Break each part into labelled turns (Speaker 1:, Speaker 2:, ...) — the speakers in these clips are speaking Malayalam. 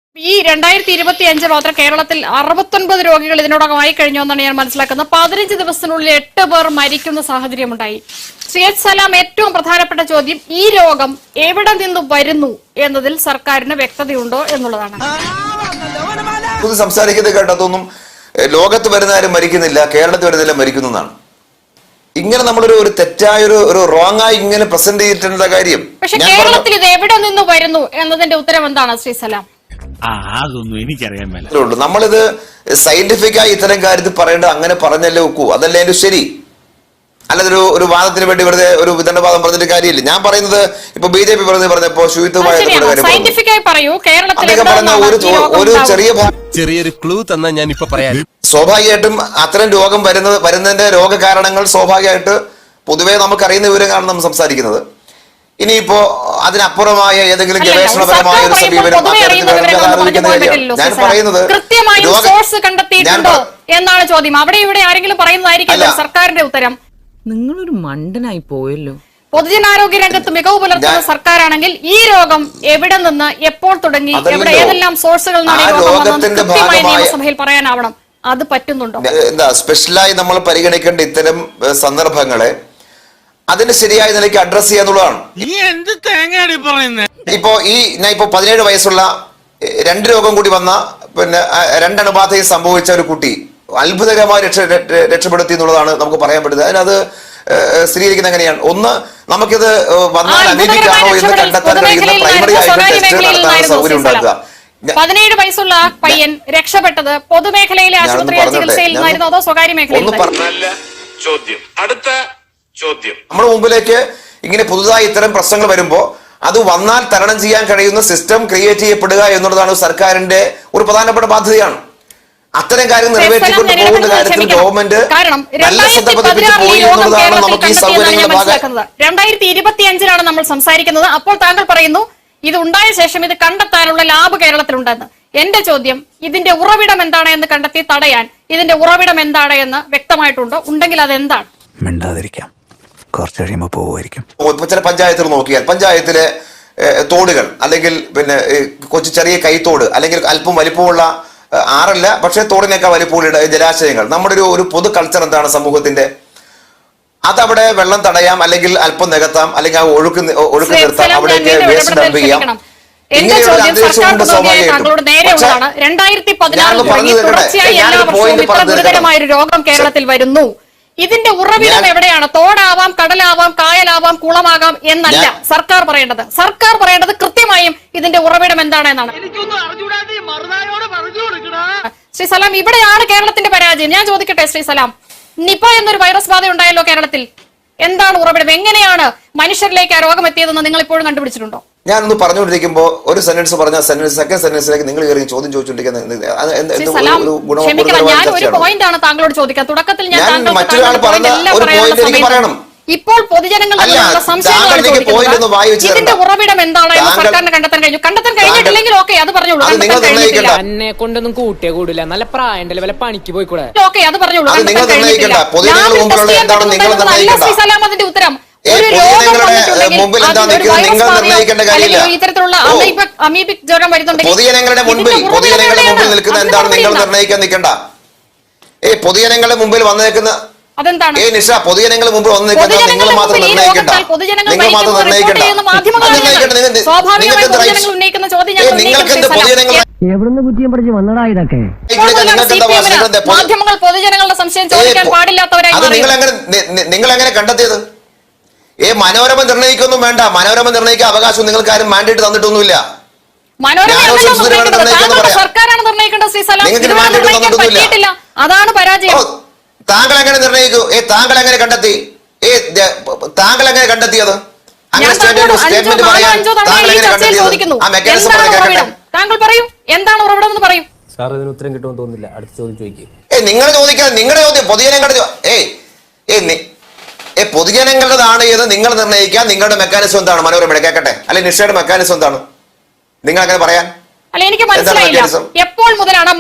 Speaker 1: ഈ 2025 മാത്രം കേരളത്തിൽ 69 രോഗികൾ ഇതിനോടകമായി കഴിഞ്ഞു എന്നാണ് ഞാൻ മനസ്സിലാക്കുന്നത്. 15 ദിവസത്തിനുള്ളിൽ 8 പേർ മരിക്കുന്ന സാഹചര്യമുണ്ടായി. ശ്രീ എച്ച് സലാം, ഏറ്റവും പ്രധാനപ്പെട്ട ചോദ്യം, ഈ രോഗം എവിടെ നിന്ന് വരുന്നു എന്നതിൽ സർക്കാരിന് വ്യക്തതയുണ്ടോ എന്നുള്ളതാണ്.
Speaker 2: സംസാരിക്കുന്നത് കേട്ടതൊന്നും ലോകത്ത് വരുന്ന ആരും മരിക്കുന്നില്ല, കേരളത്തിൽ വരുന്നില്ല മരിക്കുന്നതാണ്. ഇങ്ങനെ നമ്മളൊരു തെറ്റായ ഒരു റോങ് ആയി ഇങ്ങനെ പ്രസന്റ് ചെയ്തിട്ടുള്ള കാര്യം.
Speaker 1: പക്ഷെ കേരളത്തിൽ ഇത് എവിടെ നിന്ന് വരുന്നു എന്നതിന്റെ ഉത്തരം എന്താണ് ശ്രീ സലാം?
Speaker 3: അതൊന്നും എനിക്കറിയാൻ മേല.
Speaker 2: നമ്മളിത് സയന്റിഫിക് ആയി ഇത്തരം കാര്യത്തിൽ പറയേണ്ടത് അങ്ങനെ പറഞ്ഞല്ലേ ഒക്കൂ, അതല്ലേ അതിന്റെ ശരി. അല്ലാതെ ഒരു വാദത്തിന് വേണ്ടി വെറുതെ ഒരു വിതണ്ടവാദം പറഞ്ഞിട്ട് കാര്യമില്ല. ഞാൻ പറയുന്നത് ഇപ്പൊ BJP പറഞ്ഞപ്പോ ശുചിത്വമായ ഒരു
Speaker 4: ചെറിയൊരു ക്ലൂ തന്നാ ഞാൻ ഇപ്പൊ പറയാം.
Speaker 2: സ്വാഭാവികമായിട്ടും അത്തരം രോഗം വരുന്നതിന്റെ രോഗകാരണങ്ങൾ സ്വാഭാവികമായിട്ട് പൊതുവേ നമുക്കറിയുന്ന വിവരങ്ങളാണ് നമ്മൾ സംസാരിക്കുന്നത്. ഇനിയിപ്പോ അതിനപ്പുറമായ ഏതെങ്കിലും ഗവേഷണപരമായ ഒരു സമീപനം ഞാൻ പറയുന്നത്
Speaker 1: എന്നാണ് ചോദ്യം. അവിടെ ഇവിടെ ആരെങ്കിലും പറയുന്നതായിരിക്കില്ല സർക്കാരിന്റെ ഉത്തരം.
Speaker 5: നിങ്ങളൊരു മണ്ടനായി പോയല്ലോ.
Speaker 1: പൊതുജനാരോഗ്യ രംഗത്ത് മികവ് പുലർത്തുന്ന സർക്കാരാണെങ്കിൽ ഈ രോഗം എവിടെ നിന്ന് എപ്പോൾ തുടങ്ങി എവിടെ ഏതെല്ലാം സോഴ്സുകൾ നിയമസഭയിൽ പറയാനാവണം. അത് പറ്റുന്നുണ്ടോ?
Speaker 2: എന്താ സ്പെഷ്യലായി നമ്മൾ പരിഗണിക്കേണ്ട ഇത്തരം സന്ദർഭങ്ങളെ അതിന് ശരിയായ നിലയ്ക്ക് അഡ്രസ് ചെയ്യാന്നുള്ളതാണ്. ഇപ്പോ ഞാൻ 17 വയസ്സുള്ള 2 രോഗം കൂടി വന്ന 2 അണുബാധയും സംഭവിച്ച ഒരു കുട്ടി അത്ഭുതകരമായി രക്ഷപ്പെടുത്തി എന്നുള്ളതാണ് നമുക്ക് പറയാൻ പറ്റുന്നത്. അതിനത് സ്ഥിരീകരിക്കുന്നത് എങ്ങനെയാണ്? ഒന്ന്, നമുക്കിത് വന്നാൽ അമീബിക്കാണോ എന്ന് കണ്ടെത്താൻ കഴിയുന്ന പ്രൈമറി ആയിട്ട് ടെസ്റ്റ് നടത്താൻ സൗകര്യം ഉണ്ടാക്കുക.
Speaker 1: 17 വയസ്സുള്ള പയ്യൻ രക്ഷപ്പെട്ടത് പൊതുമേഖലയിലെ ആശുപത്രിയിലെ ചികിത്സയിൽ നിന്നായിരുന്നു അതോ സ്വകാര്യ മേഖലയിൽ?
Speaker 2: നമ്മുടെ മുമ്പിലേക്ക് ഇങ്ങനെ പുതുതായി ഇത്തരം പ്രശ്നങ്ങൾ വരുമ്പോ അത് വന്നാൽ തരണം ചെയ്യാൻ കഴിയുന്ന സിസ്റ്റം ക്രിയേറ്റ് ചെയ്യപ്പെടുക എന്നുള്ളതാണ് സർക്കാരിന്റെ ഒരു പ്രധാനപ്പെട്ട ബാധ്യതയാണ്. അത്തരം കാര്യം നിറവേറ്റിക്കൊണ്ട് പോകുന്ന കാര്യത്തിൽ ഗവൺമെന്റ് നല്ല ശ്രദ്ധ പതിപ്പിച്ച് പോയി എന്നുള്ളതാണ് നമുക്ക് ഈ സൗകര്യങ്ങളുടെ ഭാഗം.
Speaker 1: 2025 നമ്മൾ സംസാരിക്കുന്നത്. അപ്പോൾ താങ്കൾ പറയുന്നു ഇത് ഉണ്ടായ ശേഷം ഇത് കണ്ടെത്താനുള്ള ലാബ് കേരളത്തിലുണ്ടെന്ന്. എന്റെ ചോദ്യം, ഇതിന്റെ ഉറവിടം എന്താണ് എന്ന് കണ്ടെത്തി തടയാൻ ഇതിന്റെ ഉറവിടം എന്താണ് എന്ന് വ്യക്തമായിട്ടുണ്ടോ? ഉണ്ടെങ്കിൽ അത് എന്താണ്?
Speaker 6: മിണ്ടാതിരിക്കാം, കുറച്ച് കഴിയുമ്പോൾ പോവുമായിരിക്കും.
Speaker 2: ചില പഞ്ചായത്തുകൾ നോക്കിയാൽ പഞ്ചായത്തിലെ തോടുകൾ അല്ലെങ്കിൽ കൊച്ചു ചെറിയ കൈത്തോട് അല്ലെങ്കിൽ അല്പം വലിപ്പമുള്ള ആറല്ല പക്ഷെ തോടിനേക്കാൾ വലിപ്പമുള്ള ജലാശയങ്ങൾ, നമ്മുടെ ഒരു പൊതു കൾച്ചർ എന്താണ് സമൂഹത്തിന്റെ? അതവിടെ വെള്ളം തടയാം, അല്ലെങ്കിൽ അല്പം നികത്താം, അല്ലെങ്കിൽ ആ ഒഴുക്ക് നിർത്താം, അവിടേക്ക് വേസ്റ്റ് ഡംപ് ചെയ്യാം.
Speaker 1: ഇങ്ങനെയുള്ള അന്തരീക്ഷമുണ്ട് സ്വാഭാവികമായിട്ടും. ഗുരുതരമായൊരു രോഗം കേരളത്തിൽ വരുന്നു. ഇതിന്റെ ഉറവിടം എവിടെയാണ്? തോടാവാം, കടലാവാം, കായലാവാം, കുളമാകാം എന്നല്ല സർക്കാർ പറയേണ്ടത്. സർക്കാർ പറയേണ്ടത് കൃത്യമായും ഇതിന്റെ ഉറവിടം എന്താണെന്നാണ്. ശ്രീ സലാം, ഇവിടെയാണ് കേരളത്തിന്റെ പരാജയം. ഞാൻ ചോദിക്കട്ടെ ശ്രീ സലാം, നിപ എന്നൊരു വൈറസ് ബാധ ഉണ്ടായല്ലോ കേരളത്തിൽ. എന്താണ് ഉറവിടം? എങ്ങനെയാണ് മനുഷ്യരിലേക്ക് ആ രോഗം എത്തിയതെന്ന് നിങ്ങൾ ഇപ്പോഴും കണ്ടുപിടിച്ചിട്ടുണ്ടോ?
Speaker 2: ഞാനൊന്ന് പറഞ്ഞുകൊണ്ടിരിക്കുമ്പോ ഒരു സെന്റൻസ് പറഞ്ഞ സെക്കൻഡ് സെന്റൻസിലേക്ക് നിങ്ങൾ കയറി ചോദ്യം ചോദിച്ചുകൊണ്ടിരിക്കുന്നത്.
Speaker 1: ഞാൻ ഒരു പോയിന്റ് ആണ് താങ്കളോട് ചോദിക്കാൻ. തുടക്കത്തിൽ ഞാൻ
Speaker 2: പറയണം.
Speaker 1: ഇപ്പോൾ പൊതുജനങ്ങളുടെ ഇതിന്റെ ഉറവിടം എന്താണ് എന്ന് സർക്കാരിന് കണ്ടെത്താൻ കഴിഞ്ഞിട്ടില്ലെങ്കിൽ ഓക്കെ, അത് പറഞ്ഞോളൂ.
Speaker 5: എന്നെ കൊണ്ടൊന്നും കൂട്ടിയേ കൂടില്ല, നല്ല പ്രായം വല്ല പണിക്ക് പോയിക്കൂടെ?
Speaker 1: ഓക്കെ, അത് പറഞ്ഞോളൂ. അതിന്റെ ഉത്തരം ഇത്തരത്തിലുള്ള അമീബിക് ജ്വരം വരുന്നുണ്ടെങ്കിൽ
Speaker 2: പൊതുജനങ്ങളുടെ മുമ്പിൽ നിൽക്കുന്ന എന്താണ് നിങ്ങൾ നിർണ്ണയിക്കാൻ നിൽക്കണ്ട. പൊതുജനങ്ങളുടെ മുമ്പിൽ വന്നേക്കുന്ന
Speaker 1: അതെന്താണ്?
Speaker 2: നിഷ, പൊതുജനങ്ങളുടെ മുമ്പിൽ വന്ന് നിൽക്കുന്ന നിങ്ങൾ മാത്രം നിർണ്ണയിക്കണ്ട. നിങ്ങൾ മാത്രം നിർണ്ണയിക്കണ്ട.
Speaker 7: എവിടുന്ന് കുറ്റിയും പിടിച്ച് വന്നടാ ഇതൊക്കെ?
Speaker 1: മാധ്യമങ്ങൾ പൊതുജനങ്ങളുടെ സംശയം ചോദിക്കാൻ പാടില്ലാത്തവരായി
Speaker 2: നിങ്ങൾ എങ്ങനെ കണ്ടെത്തിയത്? മനോരമ നിർണ്ണയിക്കൊന്നും വേണ്ട. മനോരമ നിർണ്ണയിക്കാൻ അവകാശം നിങ്ങൾക്ക് ആരും മാൻഡേറ്റ് തന്നിട്ടൊന്നുമില്ല.
Speaker 1: സർക്കാരാണ് നിർണ്ണയിക്കേണ്ടത്. അതാണ് പരാജയം.
Speaker 2: താങ്കൾ എങ്ങനെ നിർണ്ണയിക്കൂ? താങ്കൾ എങ്ങനെ കണ്ടെത്തി? താങ്കൾ എങ്ങനെ കണ്ടെത്തിയത്?
Speaker 1: താങ്കൾ പറയൂ, എന്താണ് ഉറവിടം എന്ന് പറയൂ.
Speaker 7: സാർ, ഇതിന് ഉത്തരം കിട്ടുമെന്ന് തോന്നുന്നില്ല. അടുത്ത ചോദ്യം ചോദിക്കും.
Speaker 2: നിങ്ങൾ ചോദിക്കാൻ നിങ്ങളുടെ ചോദ്യം പൊതുജനങ്ങളുടെ പൊതുജനങ്ങളുടേതാണ് ഏത് നിങ്ങൾ നിർണ്ണയിക്കാൻ. നിങ്ങളുടെ മെക്കാനിസം എന്താണ്? മനോരമയുടെ കേൾക്കട്ടെ, അല്ലെങ്കിൽ നിഷയുടെ മെക്കാനിസം എന്താണ്? നിങ്ങൾ അങ്ങനെ പറയാൻ
Speaker 1: അല്ല, എനിക്ക് മനസ്സിലായില്ല. എപ്പോൾ മുതലാണ്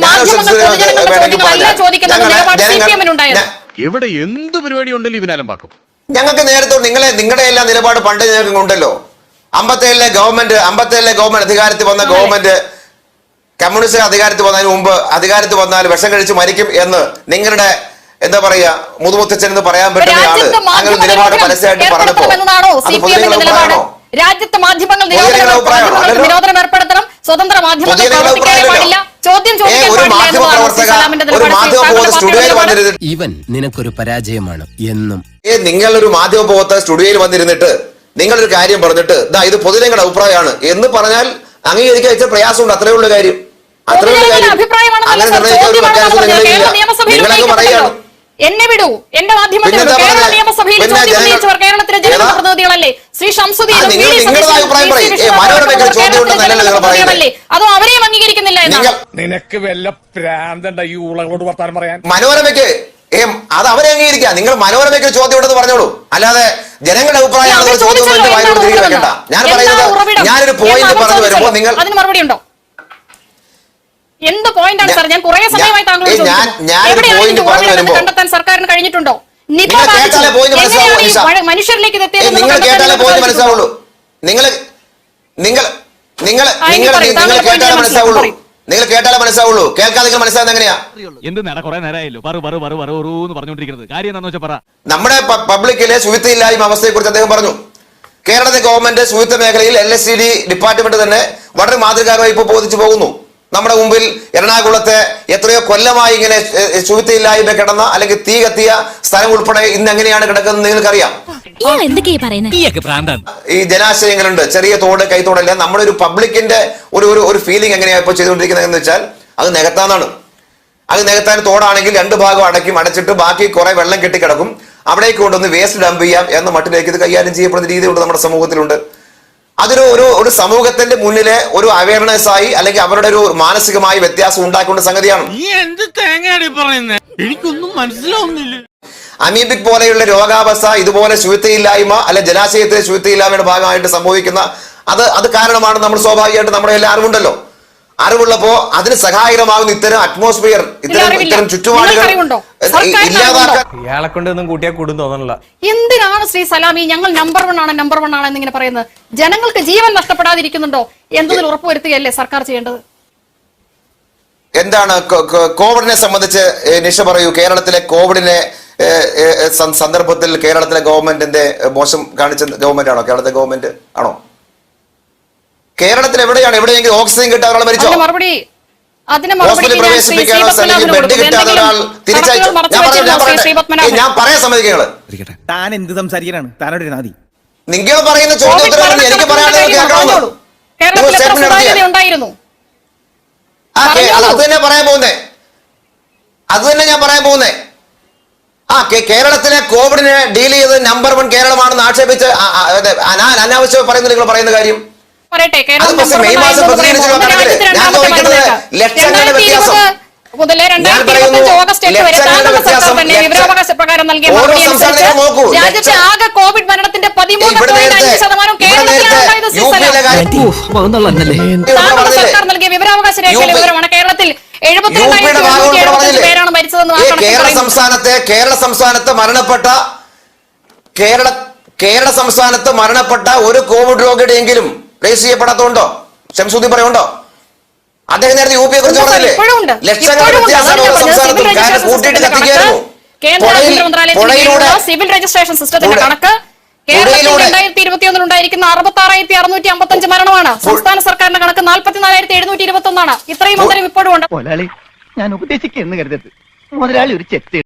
Speaker 1: ചോദിക്കുന്നത്?
Speaker 3: ഇവിടെ എന്ത് പരിപാടി ഉണ്ടല്ലോ ഇവനാലും പാക്കും.
Speaker 2: ഞങ്ങൾക്ക് നേരത്തെ നിങ്ങളുടെ എല്ലാം നിലപാട് പണ്ട് ഞങ്ങൾക്ക് ഉണ്ടല്ലോ. 57 ഗവൺമെന്റ് അധികാരത്തിൽ വന്ന ഗവൺമെന്റ് കമ്മ്യൂണിസ്റ്റ് അധികാരത്തിൽ വന്നതിന് മുമ്പ് അധികാരത്തിൽ വന്നാൽ വിഷം കഴിച്ച് മരിക്കും എന്ന് നിങ്ങളുടെ എന്താ പറയാ മുതുമുത്തച്ഛൻ എന്ന് പറയാൻ പറ്റുന്ന ആള്
Speaker 1: രാജ്യത്ത്
Speaker 2: അങ്ങനെ
Speaker 1: മാധ്യമ
Speaker 2: നിലപാട്
Speaker 1: നിരോധനം
Speaker 2: പരസ്യമായിട്ട് പറഞ്ഞപ്പോ
Speaker 1: ഏർപ്പെടുത്തണമെന്നതാണോ
Speaker 2: അത്
Speaker 1: CPM
Speaker 2: പൊതുജന
Speaker 1: ന്റെ നിലപാട്?
Speaker 2: അഭിപ്രായമാണോ?
Speaker 1: രാജ്യത്ത് മാധ്യമങ്ങൾ
Speaker 2: പൊതുജന അഭിപ്രായമാണോ?
Speaker 1: നിരോധനം ഏർപ്പെടുത്തണം, സ്വതന്ത്ര മാധ്യമങ്ങൾ
Speaker 2: പൊതുജന
Speaker 1: പ്രവർത്തിക്കാൻ
Speaker 2: അഭിപ്രായമല്ലോ.
Speaker 1: പാടില്ല, ചോദ്യം ചോദിക്കാൻ
Speaker 2: ഒരു
Speaker 1: പാടില്ല
Speaker 2: മാധ്യമ
Speaker 1: എന്നതാണ്
Speaker 2: പ്രവർത്തക
Speaker 1: സലാമിന്റെ
Speaker 2: ഒരു
Speaker 1: നിലപാട്.
Speaker 2: മാധ്യമ പ്രവർത്തക സ്റ്റുഡിയോയിൽ
Speaker 1: നിലപാട്.
Speaker 2: വന്നിരുന്നിട്ട്
Speaker 4: ഇവൻ നിനക്കൊരു പരാജയമാണ് എന്നും.
Speaker 2: നിങ്ങളൊരു മാധ്യമ പ്രവർത്തക സ്റ്റുഡിയോയിൽ വന്നിരുന്നിട്ട് നിങ്ങളൊരു കാര്യം പറഞ്ഞിട്ട് ദാ ഇത് പൊതുജനങ്ങളുടെ അഭിപ്രായമാണ് എന്ന് പറഞ്ഞാൽ അംഗീകരിക്കാൻ ഇച്ചിരി പ്രയാസമുണ്ട്. അത്രേ ഉള്ള കാര്യം. അത്രേ ഉള്ള
Speaker 1: പൊതുജനങ്ങളുടെ
Speaker 2: കാര്യം.
Speaker 1: അഭിപ്രായമാണെന്നല്ല
Speaker 2: അങ്ങനെ
Speaker 1: സർ,
Speaker 2: നിർണ്ണയിച്ച ഒരു
Speaker 1: ചോദ്യമാണെന്ന്
Speaker 2: മെക്കാനിസം
Speaker 1: പറഞ്ഞത്.
Speaker 2: നിങ്ങളിലില്ല.
Speaker 1: കേരള നിയമസഭയിൽ
Speaker 2: നിങ്ങളങ്ങ്
Speaker 1: ഉന്നയിക്കപ്പെട്ടല്ലോ.
Speaker 2: പറയാണ്.
Speaker 1: എന്നെ വിടൂ, എന്റെ മാധ്യമത്തിൽ
Speaker 2: പിന്നെന്താ
Speaker 1: കേരള
Speaker 2: പറഞ്ഞത്?
Speaker 1: നിയമസഭയിൽ
Speaker 2: പിന്നെ
Speaker 1: ചോദ്യം
Speaker 2: ജനങ്ങൾ-
Speaker 1: ഉന്നയിച്ചവർ കേരളത്തിലെ
Speaker 2: ഏതാ?
Speaker 1: ജനപ്രതിനിധികളല്ലേ? ശ്രീ ഷംസുദ്ദീനും
Speaker 2: നിങ്ങൾ
Speaker 1: വി. ഡി.
Speaker 2: നിങ്ങളുടെ
Speaker 1: സതീശനും,
Speaker 2: അഭിപ്രായം
Speaker 1: പി. സി.
Speaker 2: പറയും.
Speaker 1: വിഷ്ണുവർദ്ധനും
Speaker 2: മനോരമയ്ക്ക്
Speaker 1: കേരളത്തിലെ
Speaker 2: ചോദ്യം ഉണ്ടെന്നല്ലല്ലോ നിങ്ങൾ പറയുന്നത്.
Speaker 1: ജനപ്രതിനിധികളല്ലേ? അതോ അവരെയും അംഗീകരിക്കുന്നില്ല എന്നാണ്?
Speaker 2: നിങ്ങൾ
Speaker 3: നിനക്ക് വല്ല പ്രാന്തണ്ട ഈ ഉളകളോട് വർത്താനം പറയാൻ?
Speaker 2: മനോരമയ്ക്ക് അത് അവരെ അംഗീകരിക്കാം. നിങ്ങൾ മനോരമയ്ക്ക് ഒരു ചോദ്യം ഉണ്ടെന്ന് പറഞ്ഞോളൂ. അല്ലാതെ ജനങ്ങളുടെ അഭിപ്രായമാണ്
Speaker 1: അവർ
Speaker 2: ഒരു ചോദ്യം
Speaker 1: ചോദിച്ചല്ലോ,
Speaker 2: ഉണ്ടെന്ന് വായിലോട്ട്
Speaker 1: എന്താണ്
Speaker 2: തിരികെ
Speaker 1: ഉറവിടം?
Speaker 2: വെക്കണ്ട. ഞാൻ
Speaker 1: എന്താണ്
Speaker 2: പറയുന്നത്
Speaker 1: ഉറവിടം?
Speaker 2: ഞാനൊരു പോയിന്റ്
Speaker 1: എന്ന് അവർ
Speaker 2: പറഞ്ഞു വരുമ്പോൾ
Speaker 1: ചോദിച്ചല്ലോ.
Speaker 2: നിങ്ങൾ
Speaker 1: അതിന് മറുപടി ഉണ്ടോ? എന്ത് പോയിന്റാണ് സാർ? ഞാൻ കുറെ സമയമായി താങ്കളോട് ചോദിക്കുന്നു.
Speaker 2: ഞാനൊരു
Speaker 1: എവിടെയാണ്
Speaker 2: point
Speaker 1: ഇതിന്റെ
Speaker 2: പറഞ്ഞു
Speaker 1: ഉറവിടം എന്ന്
Speaker 2: വരുമ്പോൾ
Speaker 1: കണ്ടെത്താൻ സർക്കാരിന് കഴിഞ്ഞിട്ടുണ്ടോ? നിപ
Speaker 2: നിങ്ങൾ
Speaker 1: ബാധിച്ചു.
Speaker 2: കേട്ടാലേ point മനസ്സിലാവൂ,
Speaker 1: എങ്ങനെയാണ് ഈ
Speaker 2: നിഷ.
Speaker 1: മനുഷ്യരിലേക്ക് ഇത് എത്തിയത് എന്ന്
Speaker 2: നിങ്ങൾ
Speaker 1: കണ്ടെത്താൻ
Speaker 2: കേട്ടാലേ
Speaker 1: നിങ്ങൾക്ക്
Speaker 2: പോയിന്റ്
Speaker 1: സാധിച്ചിട്ടുണ്ടോ?
Speaker 2: മനസ്സിലാവുള്ളൂ. നിങ്ങൾ നിങ്ങൾ നിങ്ങൾ
Speaker 1: എനിക്ക് പറയൂ,
Speaker 2: നിങ്ങൾ
Speaker 1: താങ്കളുടെ
Speaker 2: കേട്ടാലേ
Speaker 1: point
Speaker 2: മനസ്സിലാവുള്ളൂ.
Speaker 1: പറയൂ.
Speaker 2: നിങ്ങൾ കേട്ടാലേ മനസ്സിലാവുള്ളൂ. കേൾക്കാതെ നിങ്ങൾ മനസ്സിലാവുന്നത് എങ്ങനെയാ?
Speaker 3: എന്ത് നേടാ കുറെ നേരമായല്ലോ എന്ന് പറഞ്ഞോണ്ടിരിക്കുന്നത്. കാര്യം എന്താണെന്ന് വെച്ചാൽ പറ.
Speaker 2: നമ്മുടെ പബ്ലിക്കിലെ ശുചിത്വമില്ലായ്മ അവസ്ഥയെ കുറിച്ച് അദ്ദേഹം പറഞ്ഞു. കേരളത്തിലെ ഗവൺമെന്റ് ശുചിത്വ മേഖലയിൽ LSCD ഡിപ്പാർട്ട്മെന്റ് തന്നെ വളരെ മാതൃകാപരമായി ഇപ്പോൾ ബോധിച്ചു പോകുന്നു. നമ്മുടെ മുമ്പിൽ എറണാകുളത്തെ എത്രയോ കൊല്ലമായി ഇങ്ങനെ ശുചിത്വമില്ലായ്മ കിടന്ന അല്ലെങ്കിൽ തീ കത്തിയ സ്ഥലം ഉൾപ്പെടെ ഇന്ന് എങ്ങനെയാണ് കിടക്കുന്നത് നിങ്ങൾക്കറിയാം. ഈ ജലാശയങ്ങളുണ്ട്, ചെറിയ തോട്, കൈത്തോടെല്ലാം നമ്മുടെ ഒരു പബ്ലിക്കിന്റെ ഒരു ഫീലിംഗ് എങ്ങനെയാണ് ഇപ്പോൾ ചെയ്തുകൊണ്ടിരിക്കുന്നത് എന്ന് വെച്ചാൽ അത് നികത്താന്നാണ്. അത് നികത്താൻ തോടാണെങ്കിൽ രണ്ട് ഭാഗം അടച്ചിട്ട് ബാക്കി കുറെ വെള്ളം കെട്ടിക്കിടക്കും. അവിടേക്ക് കൊണ്ടൊന്ന് വേസ്റ്റ് ഡംപ് ചെയ്യാം എന്ന മട്ടിലേക്ക് ഇത് കൈകാര്യം ചെയ്യപ്പെടുന്ന രീതിയുണ്ട് നമ്മുടെ സമൂഹത്തിലുണ്ട്. അതൊരു ഒരു സമൂഹത്തിന്റെ മുന്നിലെ ഒരു അവയർനെസ് ആയി അല്ലെങ്കിൽ അവരുടെ ഒരു മാനസികമായ വ്യത്യാസം ഉണ്ടാക്കേണ്ട സംഗതിയാണ്.
Speaker 3: എന്ത് തേങ്ങയാടി പറയുന്നത്? എനിക്കൊന്നും മനസ്സിലാവുന്നില്ല.
Speaker 2: അമീബിക് പോലെയുള്ള രോഗാവസ്ഥ ഇതുപോലെ ശുചിത്വമില്ലായ്മ അല്ലെ ജലാശയത്തിലെ ശുചിത്വമില്ലായ്മയുടെ ഭാഗമായിട്ട് സംഭവിക്കുന്ന അത് കാരണമാണ്. നമ്മൾ സ്വാഭാവികമായിട്ട് നമ്മുടെ എല്ലാ അറിവുണ്ടല്ലോ. അറിവുള്ളപ്പോ അതിന് സഹായകരമാകുന്ന ഇത്തരം അറ്റ്മോസ്ഫിയർ, ഇത്തരം ചുറ്റുപാടുകൾ ഇല്ലാതാക്കാൻ
Speaker 7: ഇയാളെ കൊണ്ട് ഒന്നും കൂട്ടിയാൽ കൂടും തോന്നണില്ല.
Speaker 1: എന്തിനാണ് ശ്രീ സലാമി ഞങ്ങൾ നമ്പർ 1 ആണ് എന്നിങ്ങനെ പറയുന്നത്? ജനങ്ങൾക്ക് ജീവൻ നഷ്ടപ്പെടാതിരിക്കുന്നുണ്ടോ എന്നതിൽ ഉറപ്പുവരുത്തുകയല്ലേ സർക്കാർ ചെയ്യേണ്ടത്?
Speaker 2: എന്താണ് കോവിഡിനെ സംബന്ധിച്ച് നിഷ പറയൂ. കേരളത്തിലെ കോവിഡിനെ സന്ദർഭത്തിൽ കേരളത്തിലെ ഗവൺമെന്റിന്റെ മോശം കാണിച്ച ഗവൺമെന്റ് ആണോ? കേരളത്തിലെ ഗവൺമെന്റ് ആണോ? കേരളത്തിൽ എവിടെയെങ്കിലും ഓക്സിജൻ കിട്ടാൻ ഒരാൾ മരിച്ചോ? ഹോസ്പിറ്റലിൽ പ്രവേശിപ്പിക്കാനോ അല്ലെങ്കിൽ ബെഡ് കിട്ടാതെ ഒരാൾ തിരിച്ചയച്ചു? ഞാൻ പറയാൻ സമ്മതിക്കങ്ങള്.
Speaker 8: താൻ എന്ത് സംസാരിക്കാനാണ്? താനോട് നാദി
Speaker 2: നിങ്ങൾ പറയുന്ന ചോദ്യം ഉത്തരവാദിത്തം എനിക്ക് പറയാനുള്ളത് കേൾക്കണമെന്ന് നിങ്ങൾ സ്റ്റേറ്റ്മെന്റ് നടത്തിയ അത് തന്നെ പറയാൻ പോകുന്നേ. അത് തന്നെ ഞാൻ പറയാൻ പോകുന്നേ. കേരളത്തിലെ കോവിഡിനെ ഡീൽ ചെയ്ത് നമ്പർ 1 കേരളമാണെന്ന് ആക്ഷേപിച്ച് അനാവശ്യം പറയുന്നത് നിങ്ങൾ പറയുന്ന കാര്യം. മെയ് മാസം പ്രസിദ്ധീകരിച്ചുള്ള കണക്കില് ഞാൻ ചോദിക്കുന്നത് ലക്ഷങ്ങളുടെ വ്യത്യാസം.
Speaker 1: മുതലേ 2025 ഓഗസ്റ്റ് 8 വരെ താങ്കളുടെ സർക്കാർ തന്നെ വിവരാവകാശ പ്രകാരം നൽകിയ മറുപടി അനുസരിച്ച് രാജ്യത്തെ ആകെ കോവിഡ് മരണത്തിന്റെ 13.5% കേരളത്തിലാണ്. താങ്കളുടെ സർക്കാർ നൽകിയ വിവരാവകാശ രേഖയിലെ വിവരമാണ്. കേരളത്തിൽ 72,775 പേരാണ് മരിച്ചതെന്ന്
Speaker 2: കേരള സംസ്ഥാനത്ത് മരണപ്പെട്ട ഒരു കോവിഡ് രോഗിയുടെയെങ്കിലും രജിസ്റ്റർ ചെയ്യപ്പെടാത്തതുണ്ടോ? ശംസുദ്ദീൻ പറയുണ്ടോ? അദ്ദേഹം നേരത്തെ UP യെ കുറിച്ച് പറഞ്ഞില്ലേ? ലക്ഷങ്ങളുടെ വ്യത്യാസമാണ് ഓരോ സംസ്ഥാനത്തും. കാരണം കൂട്ടിയിട്ട് കത്തിക്കായിരുന്നു.
Speaker 1: സിവിൽ രജിസ്ട്രേഷൻ സിസ്റ്റത്തിന്റെ കണക്ക് കേരളത്തിൽ 2021 ഉണ്ടായിരിക്കുന്ന 66,655 മരണമാണ്. സംസ്ഥാന സർക്കാരിന്റെ കണക്ക് 44,721 ഇത്രയും അന്തരം ഇപ്പോഴും ഉണ്ട്.
Speaker 7: ഞാൻ ഉപദേശിക്കുന്നു കരുതരുത്. മുതലാളി ഒരു ചെത്ത്